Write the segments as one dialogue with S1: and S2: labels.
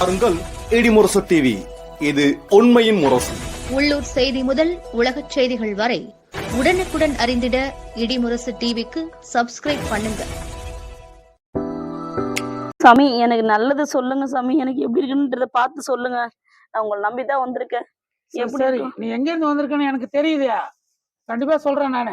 S1: பாருங்கள் இடிமுரசு டிவி. இது உண்மையின் முரசு.
S2: உள்ளூர் செய்தி முதல் உலகச் செய்திகள் வரை உடனுக்குடன் அறிந்திட இடிமுரசு டிவிக்கு சப்ஸ்கிரைப் பண்ணுங்க.
S3: சாமி, எனக்கு நல்லது சொல்லுங்க சாமி. எனக்கு எப்படி இருக்குன்றத பார்த்து சொல்லுங்க. நான் உங்களை நம்பிதான் வந்திருக்கேன். எப்படி
S4: சரி, நீ எங்க இருந்து வந்திருக்கன்னு எனக்கு தெரியுதா? கண்டிப்பா சொல்றேன் நானு.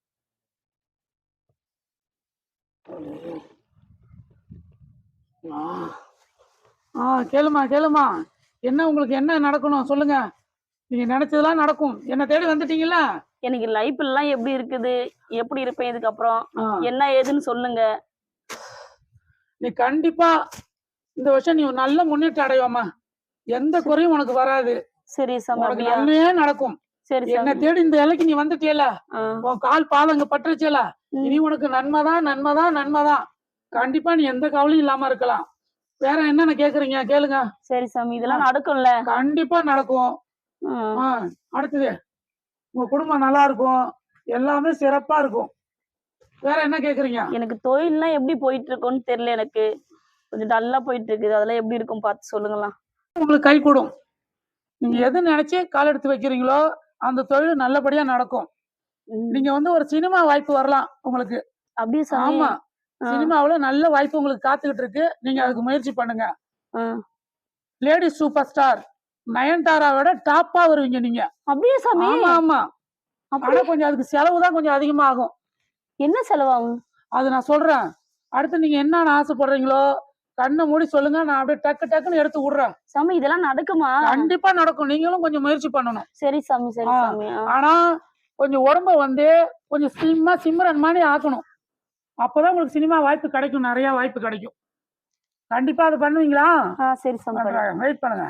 S4: கேளுமா கேளுமா, என்ன உங்களுக்கு என்ன நடக்கணும் சொல்லுங்க. நீங்க நினைச்சதெல்லாம் நடக்கும். என்ன தேடி வந்துட்டீங்கல்ல.
S3: எனக்கு லைஃப் எல்லாம் எப்படி இருக்குது, எப்படி இருப்பேன் இதுக்கப்புறம், என்ன ஏதுன்னு சொல்லுங்க.
S4: நீ கண்டிப்பா இந்த வருஷம் நீ நல்ல முன்னேற்றம் அடைவாமா. எந்த குறையும் உனக்கு வராது.
S3: சரி சாமி,
S4: உனக்கு நன்மையே நடக்கும்.
S3: சரி,
S4: என்ன தேடி இந்த இலைக்கு நீ வந்துட்டியல, உன் கால் பாதங்க பட்டுருச்சல, இனி உனக்கு நன்மைதான் நன்மைதான் நன்மைதான். கண்டிப்பா நீ எந்த கவலையும் இல்லாம இருக்கலாம். வேற என்னென்ன கேக்குறீங்க கேளுங்க.
S3: சரி சாமி, இதெல்லாம் நடக்கும்ல?
S4: கண்டிப்பா நடக்கும். அடுத்தது, உங்க குடும்பம் நல்லா இருக்கும், எல்லாமே சிறப்பா இருக்கும். வேற என்ன கேக்குறீங்க?
S3: எனக்கு தொழில்லாம் எப்படி போயிட்டு இருக்கும்னு தெரியல. எனக்கு கொஞ்சம் டல்லா போயிட்டு இருக்குது. அதெல்லாம் எப்படி இருக்கும் பார்த்து சொல்லுங்களா.
S4: உங்களுக்கு கை கூடும். நீங்க எது நினைச்சு கால் எடுத்து வைக்கிறீங்களோ அந்த தொழில் நல்லபடியா நடக்கும். நீங்க ஒரு சினிமா வாய்ப்பு வரலாம் உங்களுக்கு.
S3: அப்படியே சாமி?
S4: ஆமா, சினிமாவுல நல்ல வாய்ப்பு உங்களுக்கு காத்துக்கிட்டு இருக்கு. நீங்க அதுக்கு முயற்சி பண்ணுங்க. லேடி சூப்பர் ஸ்டார் நயன்தாராவோட டாப்பா வருவீங்க நீங்க.
S3: அப்படியே சாமி?
S4: ஆமா ஆமா. ஆனா கொஞ்சம் அதுக்கு செலவு தான் கொஞ்சம் அதிகமா ஆகும்.
S3: என்ன செலவாகும்?
S4: அது நான் சொல்றேன். அடுத்து நீங்க என்னன்னு ஆசைப்படுறீங்களோ கண்ணை மூடி சொல்லுங்க, நான் அப்படியே டக்கு டக்குன்னு எடுத்து விடுறேன்.
S3: சாமி, இதெல்லாம் நடக்குமா?
S4: கண்டிப்பா நடக்கும். நீங்களும் கொஞ்சம் முயற்சி பண்ணணும்.
S3: சரி சாமி, சரி சாமி.
S4: ஆனா கொஞ்சம் உடம்ப கொஞ்சம் ஸ்லிம்மா சிம்ரன் மாதிரி ஆக்கணும். அப்பதான் உங்களுக்கு சினிமா வாய்ப்பு கிடைக்கும், நிறைய வாய்ப்பு கிடைக்கும். கண்டிப்பா அது பண்ணுவீங்களா?
S3: சரி சாமி,
S4: வெயிட் பண்ணுங்க.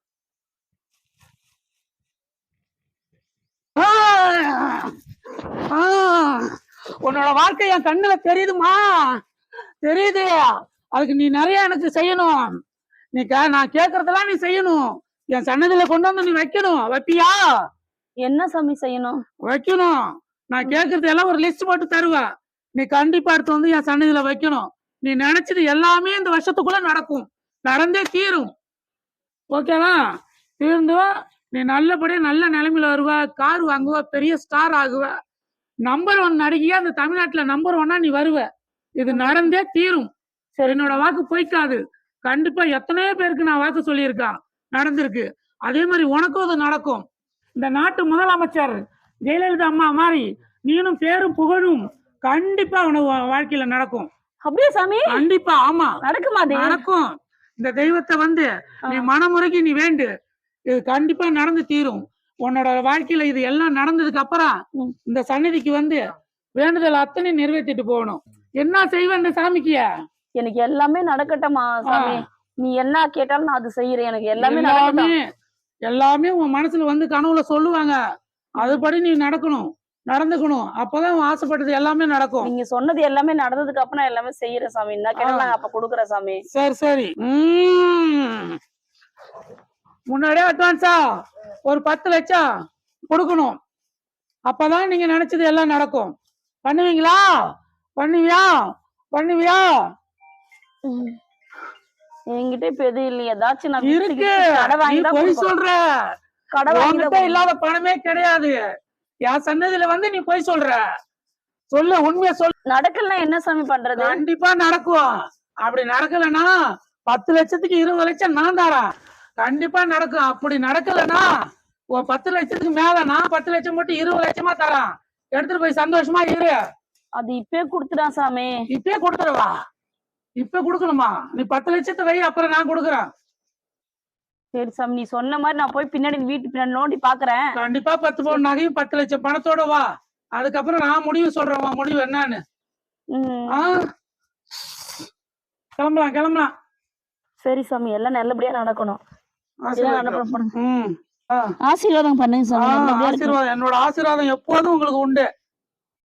S4: உன்னோட வாழ்க்கை என் கண்ணுல தெரியுதுமா, தெரியுது. அதுக்கு நீ நிறைய எனக்கு செய்யணும். நீ நான் கேக்குறதெல்லாம் நீ செய்யணும். என் சன்னதியில கொண்டு வந்து நீ வைக்கணும். வைப்பியா?
S3: என்ன சாமி செய்யணும்?
S4: வைக்கணும். நான் கேக்குறது எல்லாம் ஒரு லிஸ்ட் போட்டு தருவேன். நீ கண்டிப்பா எடுத்து வந்து என் சன்னதியில வைக்கணும். நீ நினைச்சது எல்லாமே இந்த வருஷத்துக்குள்ள நடக்கும், நடந்தே தீரும். ஓகேவா? தீர்ந்து நீ நல்லபடியா நல்ல நிலைமையில வருவ, கார் வாங்குவ, பெரிய ஸ்டார் ஆகுவ, நம்பர் 1 நடிகையா அந்த தமிழ்நாட்டுல நம்பர் 1 நீ வருவ. இது நடந்தே தீரும். சரி, என்னோட வாக்கு போய்க்காது. கண்டிப்பா எத்தனையோ பேருக்கு நான் வாக்கு சொல்லியிருக்கேன், நடந்திருக்கு. அதே மாதிரி உனக்கும் அது நடக்கும். இந்த நாட்டு முதலமைச்சர் ஜெயலலிதா அம்மா மாதிரி நீனும் பேரும் புகழும் கண்டிப்பா உனக்கு வாழ்க்கையில நடக்கும்.
S3: அப்படியே சாமி? கண்டிப்பா.
S4: ஆமா,
S3: நடக்குமா?
S4: நடக்கும். இந்த தெய்வத்தை நீ மனமுறைக்கு நீ வேண்டு, இது கண்டிப்பா நடந்து தீரும். உன்னோட வாழ்க்கையில இது எல்லாம் நடந்ததுக்கு அப்புறம் இந்த சன்னதிக்கு வேண்டுதல் அத்தனை நிறைவேற்றிட்டு போகணும். என்ன செய்வேன் இந்த சாமிக்கு?
S3: எனக்கு எல்லாமே நடக்கட்டுமா சாமி? நீ என்ன கேட்டாலும் நான் அது செய்யறேன். எனக்கு எல்லாமே
S4: எல்லாமே உன் மனசுல கனவுல சொல்லுவாங்க. அதுபடி நீ நடந்துக்கணும். அப்பதான் உன் ஆசைப்பட்டது எல்லாமே நடக்கும்.
S3: நீங்க சொன்னது எல்லாமே நடந்ததுக்கு அப்புறம் நான் எல்லாமே செய்யறேன் சாமி. என்ன கேட்டாலும் அப்ப கொடுக்குறேன் சாமி.
S4: சரி சரி. முன்னாடியே அட்வான்ஸா ஒரு 10 லட்சம் கொடுக்கணும். அப்பதான் நீங்க நினைச்சது எல்லாம் நடக்கும். பண்ணுவீங்களா? பண்ணுவியா?
S3: என்கிட்ட இப்ப எதுவும் இல்லையா? ஏதாச்சும் நான்
S4: இருக்கு. போய் சொல்ற, கடை இல்லாத பணமே கிடையாது. என் சன்னதியில நீ போய் சொல்ற. சொல்லு, உண்மையா சொல்லு.
S3: நடக்கலன்னா என்ன சாமி பண்றது?
S4: கண்டிப்பா நடக்கும். அப்படி நடக்கலன்னா 10 லட்சத்துக்கு 20 லட்சம் நான் தரேன். கண்டிப்பா நடக்கும். அப்படி நடக்கலன்னா 10 லட்சத்துக்கு மேல நான் 10 லட்சம் மட்டும் 20 லட்சமா தரேன். எடுத்துட்டு போய் சந்தோஷமா இரு.
S3: அது இப்பே கொடுத்துடா சாமி.
S4: இப்பே கொடுத்துருவா? இப்ப கொடுக்கணுமா? நீ 10 லட்சத்தை வை, அப்புறம் நான் கொடுக்குறேன்.
S3: சரி சாமி, நீ சொன்ன மாதிரி நான் போய் பின்னாடி வீட்டு பின்னாடி நோண்டி பாக்குறேன்.
S4: கண்டிப்பா 10 பவுன் நகையும் 10 லட்சம் பணத்தோட வா. அதுக்கப்புறம் நான் முடிவு சொல்றேன், முடிவு என்னன்னு. கிளம்பலாம்.
S3: சரி சாமி, எல்லாம் நல்லபடியா நடக்கணும்.
S4: ஆசீர்வாதம்
S3: ஆசீர்வாதம் பண்ணுங்க சாமி.
S4: ஆசீர்வாதம், என்னோட ஆசீர்வாதம் எப்போதும் உங்களுக்கு உண்டு.